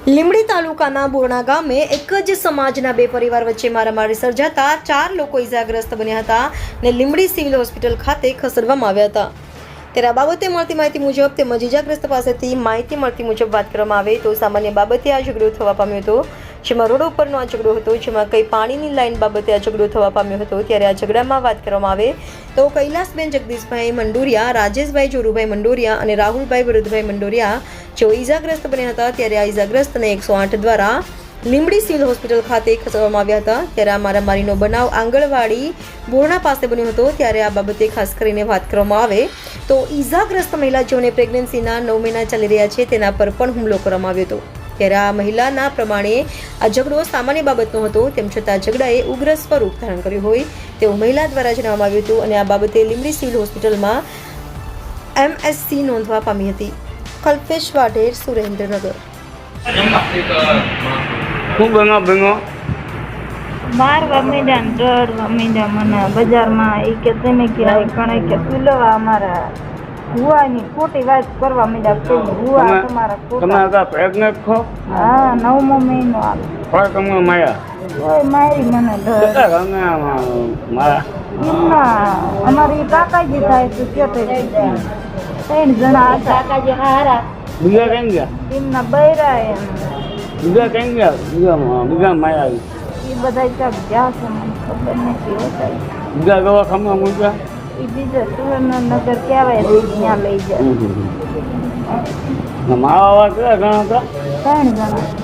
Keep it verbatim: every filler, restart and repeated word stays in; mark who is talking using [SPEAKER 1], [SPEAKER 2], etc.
[SPEAKER 1] લીંબડી તાલુકાના બોરણા ગામે એક જ સમાજના બે પરિવાર વચ્ચે મારામારી સર્જાતા ચાર લોકો ઇજાગ્રસ્ત બન્યા હતા અને લીંબડી સિવિલ હોસ્પિટલ ખાતે ખસેડવામાં આવ્યા હતા। ત્યારે આ બાબતે મળતી માહિતી મુજબ તેમજ ઇજાગ્રસ્ત પાસેથી માહિતી મળતી મુજબ વાત કરવામાં આવે તો સામાન્ય બાબતે આ ઝઘડો થવા પામ્યો હતો, જેમાં રોડ ઉપરનો આ ઝઘડો હતો, જેમાં કઈ પાણીની લાઈન બાબતે આ ઝઘડો થવા પામ્યો હતો। ત્યારે આ ઝઘડામાં વાત કરવામાં આવે તો કૈલાસબેન જગદીશભાઈ મંડોરિયા, રાજેશભાઈ જોરુભાઈ મંડોરિયા અને રાહુલભાઈ વિરુદ્ધભાઈ મંડોરિયા જેઓ ઇજાગ્રસ્ત બન્યા હતા। ત્યારે આ ઇજાગ્રસ્તને એકસો આઠ દ્વારા લીંબડી સિવિલ હોસ્પિટલ ખાતે ખસેડવામાં આવ્યા હતા। ત્યારે આ મારામારીનો બનાવ આંગણવાડી બોરણા પાસે બન્યો હતો। ત્યારે આ બાબતે ખાસ કરીને વાત કરવામાં આવે તો ઇજાગ્રસ્ત મહિલા જેઓને પ્રેગ્નન્સીના નવ મહિના ચાલી રહ્યા છે તેના પર પણ હુમલો કરવામાં આવ્યો હતો। ત્યારે આ મહિલાના પ્રમાણે આ ઝઘડો સામાન્ય બાબતનો હતો, તેમ છતાં ઝઘડાએ ઉગ્ર સ્વરૂપ ધારણ કર્યું હોય તેવું મહિલા દ્વારા જણાવવામાં આવ્યું હતું અને આ બાબતે લીંબડી સિવિલ હોસ્પિટલમાં એમએસસી નોંધવા પામી હતી। કલ્પેશ વાઢેર, સુરેન્દ્રનગર।
[SPEAKER 2] શું બનો બનો
[SPEAKER 3] મારવા મીડા ને દોડવા મીડા મને બજારમાં એ કે તમે કે આ કણે કે તુલવા અમારા હુવાની ખોટી વાત કરવા મીડા કે હુવા તમારા
[SPEAKER 2] તમે
[SPEAKER 3] ખોટા
[SPEAKER 2] આગળ પ્રેગ્નેન્ટ છો?
[SPEAKER 3] હા નવમો મહિનો આવે
[SPEAKER 2] કોઈ તમને માયા
[SPEAKER 3] કોઈ મારી મને ડર
[SPEAKER 2] કેટલા તમે મારા
[SPEAKER 3] એમના અમારી કાકાજી થાય તો કેતે ત્રણ જણા હતા કાકાજી હારા
[SPEAKER 2] બીજા કેમ ગયા?
[SPEAKER 3] એમના બૈરા એમ
[SPEAKER 2] બીજા કેમ ગયા? બીજા બીજા માયા આવી
[SPEAKER 3] એ બધા ક્યાંક ગયા છે મને ખબર નથી હોતા
[SPEAKER 2] બીજા દવાખાના મૂક્યા
[SPEAKER 3] એ બીજા સુરેન્દ્રનગર કહેવાય ત્યાં લઈ જાય
[SPEAKER 2] મારા કેટલા ઘણા હતા?
[SPEAKER 3] ત્રણ જણા